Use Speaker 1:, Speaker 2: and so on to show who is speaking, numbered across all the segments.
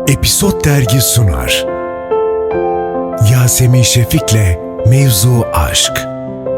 Speaker 1: Episod Dergi sunar. Yasemin Şefik'le Mevzu Aşk.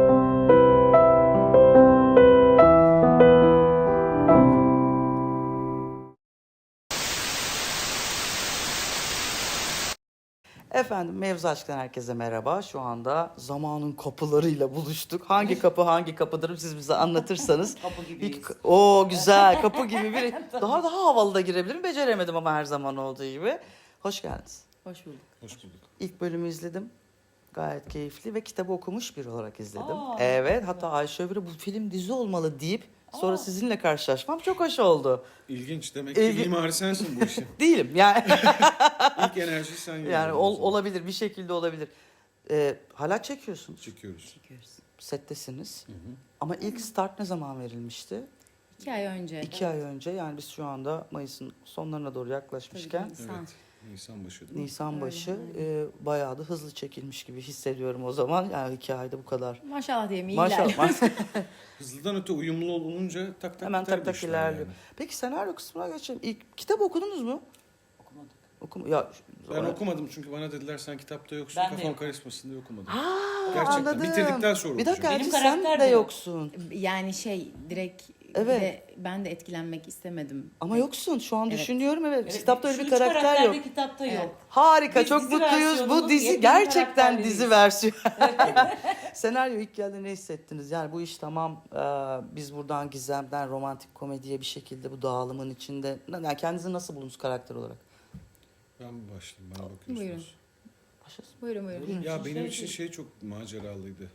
Speaker 2: Efendim Mevzu Aşk'tan herkese merhaba. Şu anda zamanın kapılarıyla buluştuk. Hangi kapı hangi kapıdır siz bize anlatırsanız.
Speaker 3: Kapı gibiyiz.
Speaker 2: O güzel kapı gibi bir daha havalı da girebilirim. Beceremedim ama her zaman olduğu gibi. Hoş geldiniz.
Speaker 3: Hoş bulduk.
Speaker 4: Hoş bulduk.
Speaker 2: İlk bölümü izledim. Gayet keyifli ve kitabı okumuş biri olarak izledim.
Speaker 3: Aa,
Speaker 2: Evet, hatta Ayşe Övür'e bu film dizi olmalı deyip sonra sizinle karşılaşmam çok hoş oldu.
Speaker 4: İlginç. Demek ki mimari sensin bu işin.
Speaker 2: Değilim yani.
Speaker 4: İlk enerjiyi sen
Speaker 2: Yani
Speaker 4: yolladın.
Speaker 2: olabilir, bir şekilde olabilir. Hala çekiyorsunuz.
Speaker 4: Çekiyoruz.
Speaker 2: Settesiniz. Ama ilk start ne zaman verilmişti?
Speaker 3: 2 ay önce.
Speaker 2: 2 ay önce. Yani biz şu anda Mayıs'ın sonlarına doğru yaklaşmışken
Speaker 3: Tabii, Nisan.
Speaker 4: Evet. Nisan başı değil mi?
Speaker 2: Nisan başı
Speaker 3: Öyle,
Speaker 2: bayağı da hızlı çekilmiş gibi hissediyorum o zaman. Yani 2 ayda bu kadar.
Speaker 3: Maşallah diyeyim iyi
Speaker 2: Maşallah.
Speaker 4: Hızlıdan öte uyumlu olunca tak tak
Speaker 2: Hemen
Speaker 4: biter
Speaker 2: tak
Speaker 4: bu
Speaker 2: tak
Speaker 4: işler
Speaker 2: ilerliyor.
Speaker 4: yani.
Speaker 2: Peki senaryo kısmına geçelim. İlk kitap okudunuz mu?
Speaker 3: Okumadık.
Speaker 2: Ya
Speaker 4: Ben okumadım çünkü bana dediler sen kitapta yoksun,
Speaker 3: Ben de
Speaker 4: kafam
Speaker 3: yok.
Speaker 4: karışmasın diye okumadım.
Speaker 2: Ha,
Speaker 4: Gerçekten.
Speaker 2: anladım.
Speaker 4: Bitirdikten sonra
Speaker 2: Bir dakika
Speaker 4: okuyacağım.
Speaker 2: Elçin,
Speaker 3: Benim
Speaker 2: sen
Speaker 3: karakter
Speaker 2: de
Speaker 3: de yok.
Speaker 2: yoksun.
Speaker 3: Yani direkt
Speaker 2: Evet.
Speaker 3: de ben de etkilenmek istemedim.
Speaker 2: Ama yoksun. Şu an
Speaker 3: Evet.
Speaker 2: düşünüyorum evet.
Speaker 3: Evet,
Speaker 2: Kitapta öyle
Speaker 3: şu
Speaker 2: bir
Speaker 3: üç
Speaker 2: karakter yok.
Speaker 3: kitapta
Speaker 2: Evet.
Speaker 3: yok.
Speaker 2: Harika,
Speaker 3: Biz
Speaker 2: çok
Speaker 3: dizi
Speaker 2: mutluyuz. Bu
Speaker 3: versiyonunun
Speaker 2: dizi
Speaker 3: yepyeni
Speaker 2: gerçekten
Speaker 3: karakterleriyiz.
Speaker 2: dizi versiyonu. Senaryo ilk geldi ne hissettiniz? Yani bu iş tamam, biz buradan gizemden romantik komediye bir şekilde bu dağılımın içinde. Yani kendinizi nasıl buldunuz karakter olarak?
Speaker 4: Ben mi başlayayım? Bana bakıyorsunuz.
Speaker 3: Buyurun.
Speaker 2: Başlasın.
Speaker 3: Buyurun.
Speaker 4: Ya benim için şey çok maceralıydı.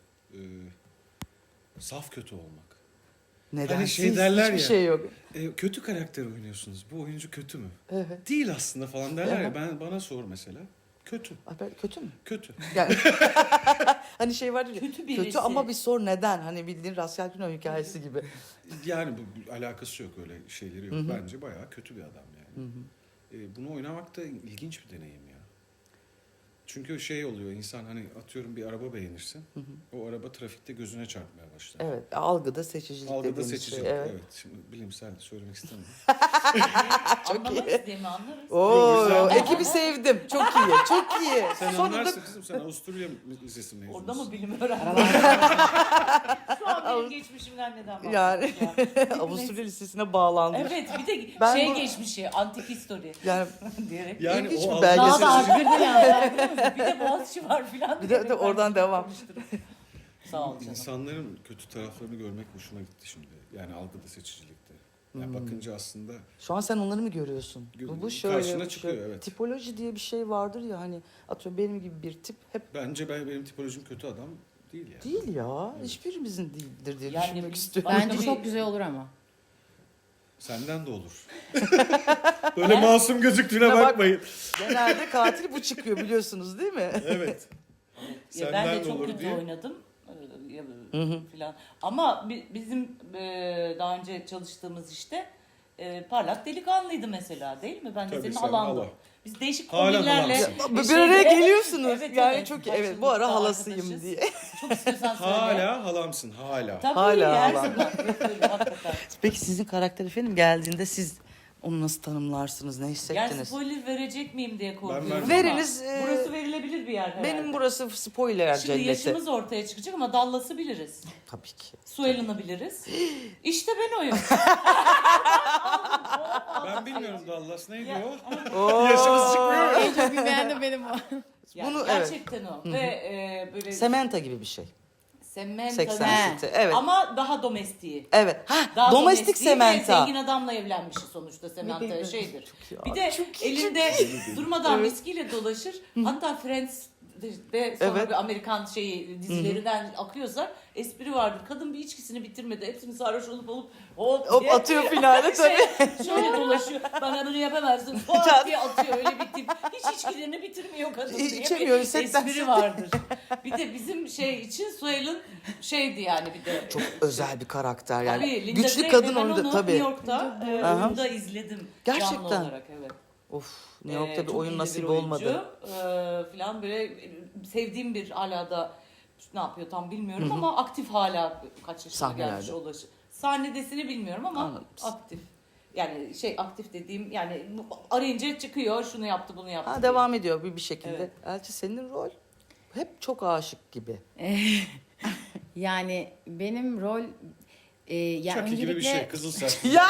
Speaker 4: Saf kötü olmak.
Speaker 2: Neden?
Speaker 4: Hani şey derler
Speaker 2: Hiçbir
Speaker 4: ya.
Speaker 2: şey yok.
Speaker 4: Kötü karakter oynuyorsunuz. Bu oyuncu kötü mü?
Speaker 2: Evet.
Speaker 4: Değil aslında falan derler
Speaker 2: Evet.
Speaker 4: ya. Bana sor mesela. Kötü.
Speaker 2: Kötü mü?
Speaker 4: Kötü.
Speaker 2: Yani hani şey var ya,
Speaker 3: Kötü birisi.
Speaker 2: kötü ama bir sor neden? Hani bildiğin Rascal Pino hikayesi gibi.
Speaker 4: Yani bu alakası yok, öyle şeyleri yok. Bence bayağı kötü bir adam yani. Bunu oynamak da ilginç bir deneyim ya. Çünkü şey oluyor, insan hani atıyorum bir araba beğenirsin. O araba trafikte gözüne çarpmaya başlar.
Speaker 2: Evet, algıda seçicilik
Speaker 4: Algıda
Speaker 2: dediğimiz
Speaker 4: seçicilik.
Speaker 2: şey.
Speaker 4: Evet. Şimdi bilimsel söylemek istemiyorum.
Speaker 3: Anlamayız diye mi anlarız?
Speaker 2: Oo,
Speaker 4: güzel.
Speaker 2: ekibi sevdim. Çok iyi, çok iyi.
Speaker 4: Sen
Speaker 2: Sonunda
Speaker 4: anlarsın kızım, sen Avusturya Lisesi mezunusun.
Speaker 3: Orada mı bilim öğrendin? Şu an benim geçmişimden neden bahsediyorsun?
Speaker 2: yani Avusturya Lisesi'ne bağlandı.
Speaker 3: Evet, bir de
Speaker 2: Ben bu-
Speaker 3: geçmişi, antik history
Speaker 2: Yani
Speaker 3: diyerek.
Speaker 4: Yani
Speaker 2: İlginç
Speaker 4: o
Speaker 2: bir
Speaker 4: algı
Speaker 2: belgesel.
Speaker 3: Daha da
Speaker 4: seçicilik-
Speaker 3: arttırdı yani. Bir de Boğaziçi var filan.
Speaker 2: Bir de
Speaker 3: diyerek
Speaker 2: oradan
Speaker 3: ben
Speaker 2: devam.
Speaker 3: konuşturum. Sağ ol canım.
Speaker 4: İnsanların kötü taraflarını görmek hoşuma gitti şimdi. Yani algıda seçicilikte. Yani bakınca aslında
Speaker 2: şu an sen onları mı görüyorsun? Bu şöyle.
Speaker 4: Karşına
Speaker 2: bu
Speaker 4: çıkıyor,
Speaker 2: şöyle.
Speaker 4: evet.
Speaker 2: Tipoloji diye bir şey vardır ya, hani atıyorum benim gibi bir tip hep
Speaker 4: bence benim tipolojim kötü adam değil yani.
Speaker 2: değil ya. Hiçbirimizin değildir diye
Speaker 3: Yani
Speaker 2: düşünmek
Speaker 3: biz-
Speaker 2: istiyorum.
Speaker 3: Bence
Speaker 5: Bence çok güzel olur ama.
Speaker 4: Senden de olur. Böyle masum gözüktüğüne
Speaker 2: Bak-
Speaker 4: bakmayın.
Speaker 2: Genelde katil bu çıkıyor biliyorsunuz değil mi?
Speaker 4: Evet.
Speaker 3: Ya ben
Speaker 4: Senden
Speaker 3: de
Speaker 4: de
Speaker 3: çok
Speaker 4: olur
Speaker 3: kötü
Speaker 4: diye.
Speaker 3: oynadım. Filan. Ama bizim daha önce çalıştığımız işte parlak delikanlıydı mesela, değil mi? Ben de
Speaker 4: Tabii,
Speaker 3: senin
Speaker 4: sen
Speaker 3: halandım.
Speaker 4: hala.
Speaker 3: Biz değişik
Speaker 4: Hala
Speaker 3: komiklerle
Speaker 4: halamsın.
Speaker 2: Bir araya geliyorsunuz.
Speaker 3: Evet,
Speaker 2: yani
Speaker 3: evet.
Speaker 2: çok evet, bu ara
Speaker 3: Karşılıklı
Speaker 2: halasıyım
Speaker 3: arkadaşız.
Speaker 2: diye.
Speaker 3: Çok istiyorsan söyle.
Speaker 4: Hala halamsın, hala.
Speaker 3: Tabii
Speaker 2: Hala
Speaker 3: her
Speaker 2: halam.
Speaker 3: zaman. Öyle, hakikaten.
Speaker 2: Peki sizin karakter efendim geldiğinde siz onu nasıl tanımlarsınız? Ne
Speaker 3: Yani
Speaker 2: hissettiniz?
Speaker 3: spoiler verecek miyim diye korkuyorum.
Speaker 4: vermem.
Speaker 3: ama
Speaker 2: Veriniz,
Speaker 3: Burası verilebilir bir yer herhalde.
Speaker 2: Benim burası spoiler
Speaker 3: Şimdi
Speaker 2: cenneti.
Speaker 3: yaşımız ortaya çıkacak ama Dallas'ı biliriz.
Speaker 2: Tabii ki.
Speaker 3: Suellen'ı biliriz. İşte ben oyum.
Speaker 4: Ben bilmiyorum Dallas neydi
Speaker 3: Ya.
Speaker 4: o? Yaşımız çıkmıyor.
Speaker 5: En çok bilmeyen de benim o.
Speaker 3: Yani
Speaker 2: Bunu- evet.
Speaker 3: gerçekten o. Ve böyle
Speaker 2: Sementa gibi bir şey.
Speaker 3: Sementa
Speaker 2: 80
Speaker 3: değil.
Speaker 2: City. Evet.
Speaker 3: Ama daha domestiği.
Speaker 2: Evet. Ha,
Speaker 3: Daha
Speaker 2: domestik
Speaker 3: domestiği ve
Speaker 2: Sementa.
Speaker 3: zengin adamla evlenmişiz sonuçta Sementa şeydir.
Speaker 2: iyi
Speaker 3: Bir
Speaker 2: abi,
Speaker 3: de
Speaker 2: çok iyi,
Speaker 3: elinde durmadan
Speaker 2: Evet.
Speaker 3: viskiyle dolaşır. Hatta Friends de sonra
Speaker 2: Evet.
Speaker 3: bir Amerikan dizilerinden akıyorsa espri vardır. Kadın bir içkisini bitirmedi. Hepsini sarhoş olup
Speaker 2: Hop
Speaker 3: diye
Speaker 2: atıyor finale tabii.
Speaker 3: şöyle dolaşıyor. Bana bunu yapamazsın. Hop diye atıyor öyle bir tip. Hiç içkilerini bitirmiyor kadın diye
Speaker 2: İçemiyor,
Speaker 3: bir
Speaker 2: setten
Speaker 3: espri vardır. Bir de bizim için Suel'in şeydi yani bir de.
Speaker 2: Çok özel bir karakter yani.
Speaker 3: Tabii, Linda
Speaker 2: Güçlü
Speaker 3: Gray
Speaker 2: kadın
Speaker 3: ve ben
Speaker 2: oynadı
Speaker 3: onu
Speaker 2: tabii.
Speaker 3: New York'ta
Speaker 2: Aha.
Speaker 3: oyunda izledim.
Speaker 2: Gerçekten.
Speaker 3: Canlı olarak evet.
Speaker 2: Of, New York'ta bir
Speaker 3: Çok
Speaker 2: oyun
Speaker 3: iyi
Speaker 2: nasip
Speaker 3: bir oyuncu.
Speaker 2: olmadı.
Speaker 3: Falan böyle sevdiğim bir hala da ne yapıyor tam bilmiyorum ama aktif hala kaç yaşına
Speaker 2: Sahnelerde.
Speaker 3: gelmiş Sahnedesini bilmiyorum ama
Speaker 2: Anladım.
Speaker 3: aktif. Yani aktif dediğim yani arayınca çıkıyor, şunu yaptı bunu yaptı.
Speaker 2: Ha,
Speaker 3: diye.
Speaker 2: devam ediyor bir şekilde.
Speaker 3: Evet.
Speaker 2: Elçi, senin rol hep çok aşık gibi.
Speaker 5: Yani benim rol yani
Speaker 4: Chucky gibi bir şey.
Speaker 5: öncelikle
Speaker 4: Kızıl saçlı.
Speaker 2: Ya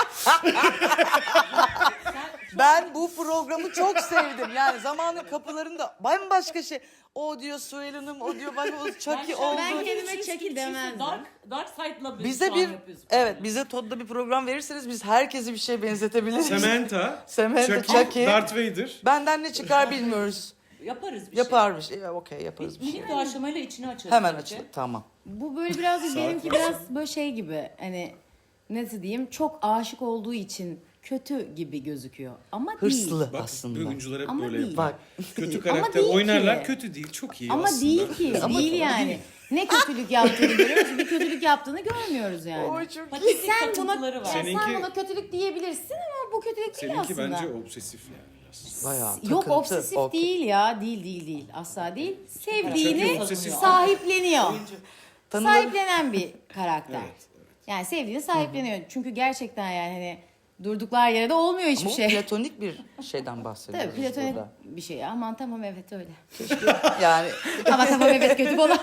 Speaker 2: ben bu programı çok sevdim. Yani zamanın kapılarında bambaşka şey. O diyor Suel Hanım, o diyor bak o Chucky oldu.
Speaker 5: Ben kendime Chucky demezdim.
Speaker 3: Dark Side'la
Speaker 2: Bize
Speaker 3: şu
Speaker 2: bir
Speaker 3: an yapıyoruz.
Speaker 2: evet bize Todd'da bir program verirseniz biz herkesi bir şeye benzetebiliriz.
Speaker 4: Samantha,
Speaker 2: Samantha,
Speaker 4: Chucky,
Speaker 2: Chucky.
Speaker 4: Darth Vader.
Speaker 2: Benden ne çıkar bilmiyoruz.
Speaker 3: Yaparız bir
Speaker 2: Yaparmış. Okey
Speaker 3: şey.
Speaker 2: yaparız bir şey.
Speaker 3: Minik doğaçlamayla içini açarız.
Speaker 2: Hemen
Speaker 3: bence.
Speaker 2: açılır. Tamam.
Speaker 5: Bu böyle biraz da
Speaker 4: Saat
Speaker 5: benimki
Speaker 4: var.
Speaker 5: biraz böyle şey gibi hani nasıl diyeyim çok aşık olduğu için kötü gibi gözüküyor ama değil.
Speaker 2: Hırslı
Speaker 4: Bak
Speaker 2: aslında.
Speaker 4: oyuncular hep
Speaker 5: Ama
Speaker 4: böyle
Speaker 5: değil.
Speaker 4: yapar.
Speaker 2: Bak
Speaker 4: Kötü
Speaker 5: Ama
Speaker 4: karakter
Speaker 5: değil
Speaker 4: oynarlar.
Speaker 5: ki.
Speaker 4: Kötü değil. Çok iyi
Speaker 5: Ama
Speaker 4: aslında.
Speaker 5: değil ki.
Speaker 2: Ama
Speaker 5: değil yani. Ne kötülük yaptığını görüyoruz, bir kötülük yaptığını görmüyoruz yani.
Speaker 2: Oy çok iyi.
Speaker 3: Patetik
Speaker 5: Sen buna,
Speaker 3: takıntıları var.
Speaker 5: yani sen
Speaker 4: Seninki-
Speaker 5: buna kötülük diyebilirsin ama bu kötülük değil
Speaker 4: Seninki
Speaker 5: aslında.
Speaker 4: bence obsesif yani biraz.
Speaker 2: Bayağı
Speaker 5: Yok
Speaker 2: takıntı,
Speaker 5: obsesif
Speaker 2: okey.
Speaker 5: değil ya. Değil. Asla değil. Sevdiğini
Speaker 4: Çünkü obsesif.
Speaker 5: sahipleniyor.
Speaker 2: Tanıları-
Speaker 5: Sahiplenen bir karakter.
Speaker 4: Evet,
Speaker 5: Yani sevdiğini sahipleniyor. Çünkü gerçekten yani hani durduklar yere de olmuyor hiçbir
Speaker 2: Bu
Speaker 5: şey.
Speaker 2: platonik bir şeyden bahsediyoruz
Speaker 5: Tabii platonik
Speaker 2: burada.
Speaker 5: bir şey. Aman tamam evet öyle.
Speaker 2: Yani
Speaker 5: Ama tamam evet kötü olan.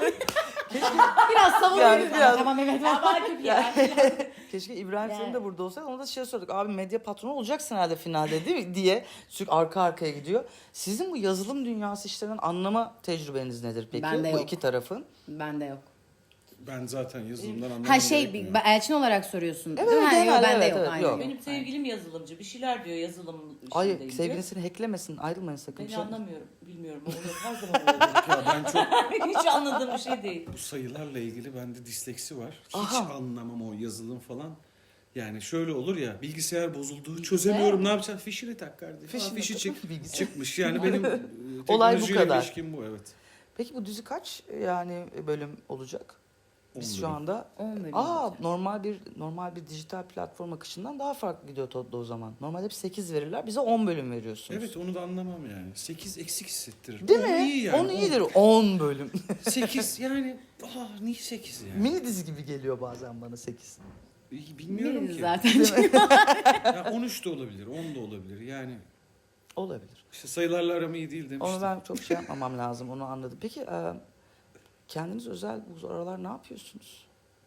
Speaker 5: Biraz savunuyoruz
Speaker 2: Yani
Speaker 5: ama
Speaker 2: biraz-
Speaker 5: tamam evet
Speaker 3: Ya
Speaker 5: falan.
Speaker 3: belki bir yer.
Speaker 2: keşke İbrahim
Speaker 5: Yani.
Speaker 2: senin de burada olsaydı. Ona da şey sorduk. Abi medya patronu olacaksın herhalde finalde değil mi? Diye sürekli arka arkaya gidiyor. Sizin bu yazılım dünyası işlerinden anlama tecrübeniz nedir peki?
Speaker 5: Bende
Speaker 2: bu
Speaker 5: yok.
Speaker 2: iki tarafın.
Speaker 5: Bende yok.
Speaker 4: Ben zaten yazılımdan anlamam
Speaker 5: Ha şey
Speaker 4: gerekmiyor.
Speaker 5: Elçin olarak soruyorsun.
Speaker 2: Evet,
Speaker 5: değil mi? Ha,
Speaker 2: genel,
Speaker 5: yok, bende
Speaker 2: evet,
Speaker 5: yok.
Speaker 2: evet,
Speaker 5: Aynen
Speaker 2: yok.
Speaker 5: yok.
Speaker 3: Benim sevgilim yazılımcı. Bir şeyler diyor yazılım
Speaker 2: Ay
Speaker 3: işindeyim
Speaker 2: sevgilin
Speaker 3: diyor.
Speaker 2: seni hacklemesin. Ayrılmayın sakın.
Speaker 3: Beni anlamıyorum. Bilmiyorum. Oluyor. Her zaman oluyor.
Speaker 4: Ya ben çok
Speaker 3: Hiç anladığım bir şey değil.
Speaker 4: bu sayılarla ilgili bende disleksi var. Hiç
Speaker 2: Aha.
Speaker 4: anlamam o yazılım falan. Yani şöyle olur ya bilgisayar bozuldu çözemiyorum ne yapacağım fişini tak kardeşim.
Speaker 2: Fişini
Speaker 4: Fişi
Speaker 2: tak, bilgisayar.
Speaker 4: çıkmış yani benim
Speaker 2: Olay bu
Speaker 4: teknolojiyle
Speaker 2: kadar.
Speaker 4: ilişkim bu evet.
Speaker 2: Peki bu dizi kaç yani bölüm olacak? Biz
Speaker 4: 10
Speaker 2: şu
Speaker 4: bölüm.
Speaker 2: anda
Speaker 5: 10 bölüm
Speaker 2: Aa
Speaker 5: olacak.
Speaker 2: normal bir dijital platform akışından daha farklı gidiyor Todd'da o zaman. Normalde hep 8 verirler. Bize 10 bölüm veriyorsunuz.
Speaker 4: Evet onu da anlamam yani. 8 eksik hissettirir.
Speaker 2: Değil
Speaker 4: On
Speaker 2: mi?
Speaker 4: iyi yani.
Speaker 2: 10 iyidir. 10 bölüm.
Speaker 4: 8 yani niye 8 yani?
Speaker 2: Mini dizi gibi geliyor bazen bana 8.
Speaker 4: Bilmiyorum
Speaker 5: Biliriz
Speaker 4: ki.
Speaker 5: zaten.
Speaker 4: Ya 13 de olabilir, 10 da olabilir. Yani
Speaker 2: Olabilir.
Speaker 4: işte sayılarla aram iyi değil demiştim.
Speaker 2: Onu ben çok şey yapmamam lazım. Onu anladım. Peki kendiniz özel bu aralar ne yapıyorsunuz?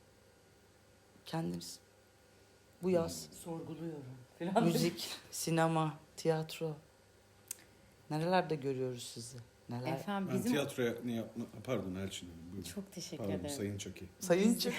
Speaker 2: Kendiniz. Bu yaz.
Speaker 3: Sorguluyorum. Falan.
Speaker 2: Müzik, sinema, tiyatro. Nerelerde görüyoruz sizi? Neler?
Speaker 5: Efendim
Speaker 4: Ben
Speaker 5: bizim
Speaker 4: tiyatroya ne yapma... Pardon Elçin Hanım. Buyurun.
Speaker 5: çok teşekkür
Speaker 4: Pardon
Speaker 5: ederim.
Speaker 4: Sayın Çaki.
Speaker 2: Sayın Çık.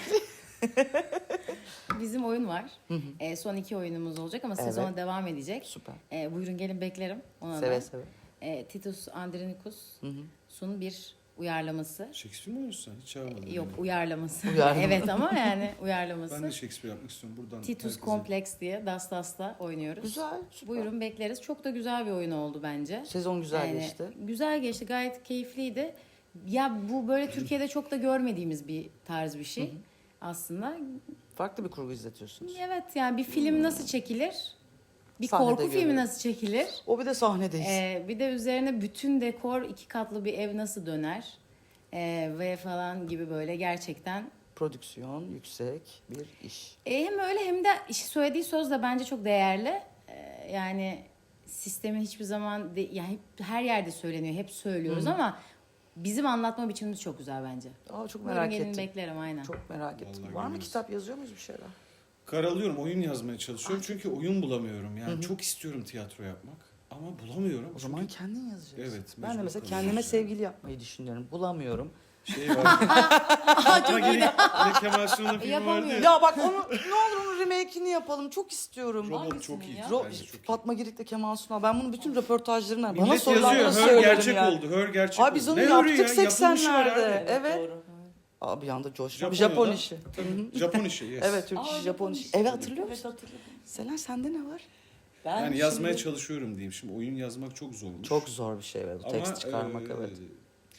Speaker 5: Bizim oyun var. Son 2 oyunumuz olacak ama
Speaker 2: Evet.
Speaker 5: sezona devam edecek.
Speaker 2: Süper.
Speaker 5: Buyurun gelin beklerim. Ona
Speaker 2: Seve
Speaker 5: da.
Speaker 2: seve.
Speaker 5: Titus
Speaker 2: Hı hı.
Speaker 5: Andronicus'un bir uyarlaması.
Speaker 4: Shakespeare mi oynuyorsun sen? Hiç çağırmadın
Speaker 5: Yok
Speaker 4: beni.
Speaker 5: uyarlaması.
Speaker 2: Uyarlama.
Speaker 5: evet ama yani uyarlaması.
Speaker 4: Ben de Shakespeare yapmak istiyorum buradan.
Speaker 5: Titus
Speaker 4: herkese.
Speaker 5: Complex diye Dastas'ta oynuyoruz.
Speaker 2: Güzel. Süper.
Speaker 5: Buyurun bekleriz. Çok da güzel bir oyun oldu bence.
Speaker 2: Sezon güzel
Speaker 5: Yani
Speaker 2: geçti.
Speaker 5: Güzel geçti. Gayet keyifliydi. Ya bu böyle Türkiye'de çok da görmediğimiz bir tarz bir şey. Aslında
Speaker 2: Farklı bir kurgu izletiyorsunuz.
Speaker 5: evet yani bir film nasıl çekilir? Bir
Speaker 2: Sahnede
Speaker 5: korku filmi
Speaker 2: görüyorum.
Speaker 5: nasıl çekilir?
Speaker 2: O bir de sahnedeyiz.
Speaker 5: Bir de üzerine bütün dekor 2 katlı bir ev nasıl döner? Ve falan gibi böyle gerçekten.
Speaker 2: Prodüksiyon yüksek bir iş.
Speaker 5: Hem öyle hem de söylediği söz de bence çok değerli. Yani sistemin hiçbir zaman yani hep, her yerde söyleniyor, hep söylüyoruz ama bizim anlatma biçimimiz çok güzel bence.
Speaker 2: Aa, çok
Speaker 5: Buyurun
Speaker 2: merak
Speaker 5: gelin
Speaker 2: ettim.
Speaker 5: beklerim aynen.
Speaker 2: Çok merak ettim.
Speaker 4: Vallahi
Speaker 2: Var mı
Speaker 4: görürüz.
Speaker 2: kitap yazıyor muyuz bir şeyler?
Speaker 4: Karalıyorum, oyun yazmaya çalışıyorum. Çünkü oyun bulamıyorum. Yani çok istiyorum tiyatro yapmak. Ama bulamıyorum.
Speaker 2: O zaman kendin yazacaksın.
Speaker 4: Evet,
Speaker 2: Ben de
Speaker 4: mecbur
Speaker 2: mesela
Speaker 4: kalacağız
Speaker 2: kendime
Speaker 4: yani.
Speaker 2: sevgili yapmayı düşünüyorum. Bulamıyorum.
Speaker 4: Şey var. Fatma Girik ile Kemal Sunal'ın filmi vardı ya.
Speaker 2: Ya bak onu ne olur onun remake'ini yapalım. Çok istiyorum.
Speaker 4: Robot
Speaker 3: Hangisini
Speaker 4: çok iyi.
Speaker 3: ya?
Speaker 4: Bence çok iyi.
Speaker 2: Fatma Girik'le Kemal Sunal. Ben bunu bütün röportajlarından bana
Speaker 4: Millet
Speaker 2: sorulanlara
Speaker 4: yazıyor. Her
Speaker 2: söylerim
Speaker 4: gerçek
Speaker 2: yani.
Speaker 4: oldu. Her gerçek
Speaker 2: Abi
Speaker 4: oldu.
Speaker 2: biz onu
Speaker 4: Ne
Speaker 2: yaptık
Speaker 4: örüyor ya? Yapılmışı var
Speaker 2: 80'lerde.
Speaker 4: abi.
Speaker 2: Evet.
Speaker 3: Doğru.
Speaker 2: Abi bir anda coşma.
Speaker 4: Japonya'da-
Speaker 2: Japon işi.
Speaker 4: Tabii. Japon işi. Yes.
Speaker 2: Evet Türk işi Japon işi. Evet hatırlıyor
Speaker 3: Evet
Speaker 2: musun?
Speaker 3: hatırladım.
Speaker 2: Selen sende ne var?
Speaker 3: Ben
Speaker 4: Yani yazmaya
Speaker 3: şimdi-
Speaker 4: çalışıyorum diyeyim. Şimdi oyun yazmak çok zormuş.
Speaker 2: Çok zor bir şey evet.
Speaker 4: Ama,
Speaker 2: Tekst çıkarmak evet.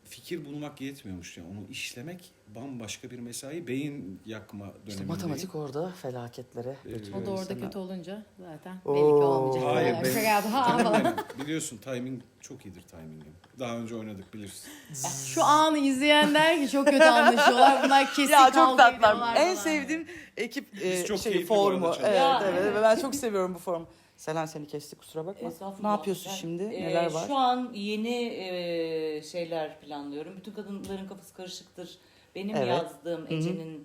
Speaker 4: fikir bulmak yetmiyormuş yani. Onu işlemek bambaşka bir mesai. Beyin yakma döneminde.
Speaker 2: İşte matematik orada felaketlere götürüyor
Speaker 5: O da orada
Speaker 2: insanı.
Speaker 5: kötü olunca zaten
Speaker 2: Oo.
Speaker 5: belli ki olmayacak.
Speaker 4: Hayır,
Speaker 5: Şaka
Speaker 4: benim,
Speaker 5: yaptım. Ha,
Speaker 4: canım
Speaker 5: falan.
Speaker 4: benim. Biliyorsun timing çok iyidir timingim. Daha önce oynadık bilirsin.
Speaker 5: Şu anı izleyen der ki çok kötü anlaşıyorlar. Bunlar kesin
Speaker 2: Ya çok
Speaker 5: kavga
Speaker 2: tatlılar.
Speaker 5: ediyorlar
Speaker 2: En
Speaker 5: falan.
Speaker 2: sevdiğim ekip
Speaker 4: Biz çok
Speaker 2: şeyi,
Speaker 4: keyifli bu arada
Speaker 2: formu.
Speaker 4: çalışıyoruz.
Speaker 2: Evet,
Speaker 3: Ya,
Speaker 2: evet.
Speaker 3: evet.
Speaker 2: Ve ben çok seviyorum bu formu. Selen seni kestik kusura bakma.
Speaker 3: Estağfurullah.
Speaker 2: Ne yapıyorsun
Speaker 3: Ben,
Speaker 2: şimdi? Neler var?
Speaker 3: Şu an yeni şeyler planlıyorum. Bütün kadınların kafası karışıktır. Benim
Speaker 2: Evet.
Speaker 3: yazdığım Ece'nin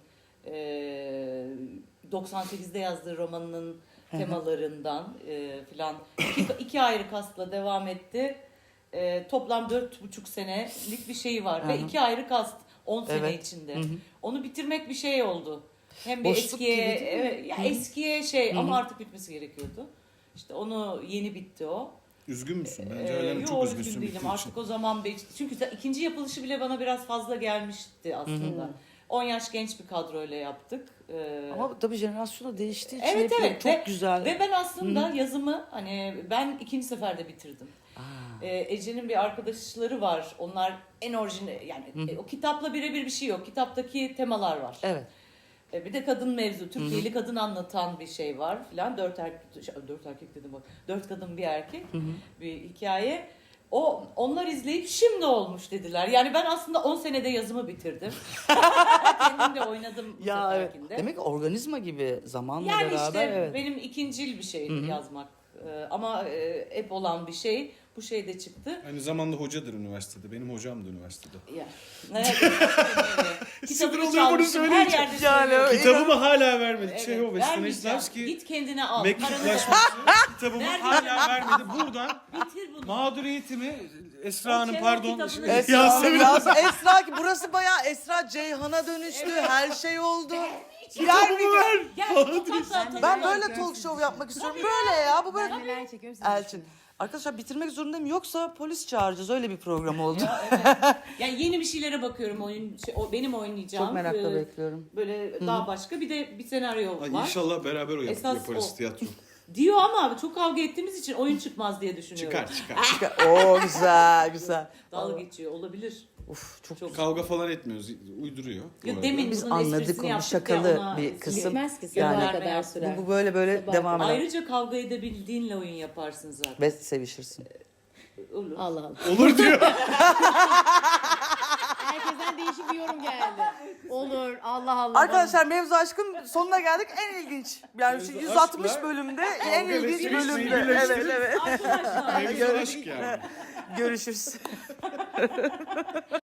Speaker 3: 98'de yazdığı romanının temalarından filan iki ayrı kastla devam etti. Toplam 4,5 senelik bir şey var. Ve 2 ayrı kast 10 sene
Speaker 2: Evet.
Speaker 3: içinde. Onu bitirmek bir şey oldu. Hem bir
Speaker 2: Boşluk
Speaker 3: eskiye,
Speaker 2: gibi değil mi?
Speaker 3: evet, ya eskiye şey ama artık bitmesi gerekiyordu. İşte onu yeni bitti o.
Speaker 4: Üzgün müsün? Bence hala
Speaker 3: Yo,
Speaker 4: çok
Speaker 3: üzgün
Speaker 4: üzgünsün
Speaker 3: değilim.
Speaker 4: bittiği
Speaker 3: Artık
Speaker 4: için.
Speaker 3: o zaman çünkü ikinci yapılışı bile bana biraz fazla gelmişti aslında. 10 yaş genç bir kadroyla yaptık.
Speaker 2: Ama tabii jenerasyonu değiştiği için
Speaker 3: evet
Speaker 2: hep
Speaker 3: evet
Speaker 2: çok
Speaker 3: ve,
Speaker 2: güzel.
Speaker 3: Ve ben aslında yazımı hani ben ikinci seferde bitirdim. Ece'nin bir arkadaşları var. Onlar en orijinal yani o kitapla birebir bir şey yok. Kitaptaki temalar var.
Speaker 2: Evet.
Speaker 3: Bir de kadın mevzu, Türkiye'li kadın anlatan bir şey var filan. 4 erkek dedim bak. 4 kadın bir erkek bir hikaye. Onlar izleyip şimdi olmuş dediler. Yani ben aslında 10 senede yazımı bitirdim. Kendim de oynadım bu
Speaker 2: Ya evet.
Speaker 3: seferkinde.
Speaker 2: Demek ki organizma gibi zamanla
Speaker 3: Yani
Speaker 2: beraber
Speaker 3: işte
Speaker 2: evet.
Speaker 3: benim ikincil bir şeydi yazmak. Ama hep olan bir şey. Bu şey de çıktı.
Speaker 4: Aynı zamanda hocadır üniversitede. Benim hocam da üniversitede.
Speaker 3: Ya. Evet.
Speaker 4: Sinir
Speaker 3: Kitabını
Speaker 4: oluyor bunu
Speaker 3: çalmışım. Her
Speaker 4: söyleyince.
Speaker 3: yerde
Speaker 2: Yani
Speaker 3: söylüyorum.
Speaker 4: Kitabımı hala vermedi.
Speaker 3: Evet,
Speaker 4: Çehov ve
Speaker 3: vermeyeceğim.
Speaker 4: Stanislavski
Speaker 3: Git kendine al. Paranı da
Speaker 4: mektuplaşması kitabımı
Speaker 3: Vermeyeceğim.
Speaker 4: hala vermedi. Buradan
Speaker 3: bitir bunu.
Speaker 4: mağduriyetimi Esra
Speaker 3: O
Speaker 4: Hanım
Speaker 3: Çehov
Speaker 4: pardon.
Speaker 3: kitabını-
Speaker 2: Esra ki burası bayağı Esra Ceyhan'a dönüştü. Her şey oldu. Birer bir gün.
Speaker 3: Gel, sokakta atalım.
Speaker 2: Ben böyle talk show yapmak istiyorum. Böyle ya bu böyle.
Speaker 5: Ben neler çekiyorum siz
Speaker 2: Elçin. Arkadaşlar bitirmek zorundayım yoksa polis çağıracağız. Öyle bir program oldu.
Speaker 3: Yani yeni bir şeylere bakıyorum benim oynayacağım.
Speaker 2: Çok merakla bekliyorum.
Speaker 3: Böyle daha başka bir de bir senaryo
Speaker 4: Ay,
Speaker 3: var.
Speaker 4: İnşallah beraber
Speaker 3: Esas
Speaker 4: yaparız
Speaker 3: o.
Speaker 4: tiyatro.
Speaker 3: Diyor ama çok kavga ettiğimiz için oyun çıkmaz diye düşünüyorum.
Speaker 4: Çıkar.
Speaker 2: Oo güzel güzel.
Speaker 3: Dalga geçiyor olabilir.
Speaker 2: Uf çok
Speaker 3: Çok.
Speaker 4: Kavga falan etmiyoruz. Uyduruyor. bu
Speaker 3: Ya
Speaker 4: arada.
Speaker 3: demin
Speaker 2: Biz
Speaker 3: bunun
Speaker 2: anladık
Speaker 3: esprisini
Speaker 2: onu,
Speaker 3: yaptık ya,
Speaker 2: şakalı
Speaker 3: ona
Speaker 2: bir kısım.
Speaker 5: Bitmez ki
Speaker 2: Yani-
Speaker 5: sabaha kadar sürer.
Speaker 2: bu böyle böyle
Speaker 5: Sabah
Speaker 2: devam eder.
Speaker 3: Ayrıca kavga edebildiğinle oyun yaparsın zaten.
Speaker 2: Ve sevişirsin.
Speaker 3: Olur.
Speaker 5: Allah Allah.
Speaker 4: Olur diyor.
Speaker 5: Herkesten değişik bir yorum geldi. Olur. Allah Allah.
Speaker 2: Arkadaşlar Mevzu Aşk'ın sonuna geldik. En ilginç. Yani şu
Speaker 4: Mevzu
Speaker 2: 160
Speaker 4: Aşk'la
Speaker 2: bölümde en
Speaker 4: kavga ve
Speaker 2: ilginç
Speaker 4: sevişmeyi
Speaker 2: bölümde. Evet
Speaker 4: birleştirip-
Speaker 2: evet.
Speaker 3: Arkadaşlar.
Speaker 4: Mevzu aşk yani.
Speaker 2: Görüşürüz.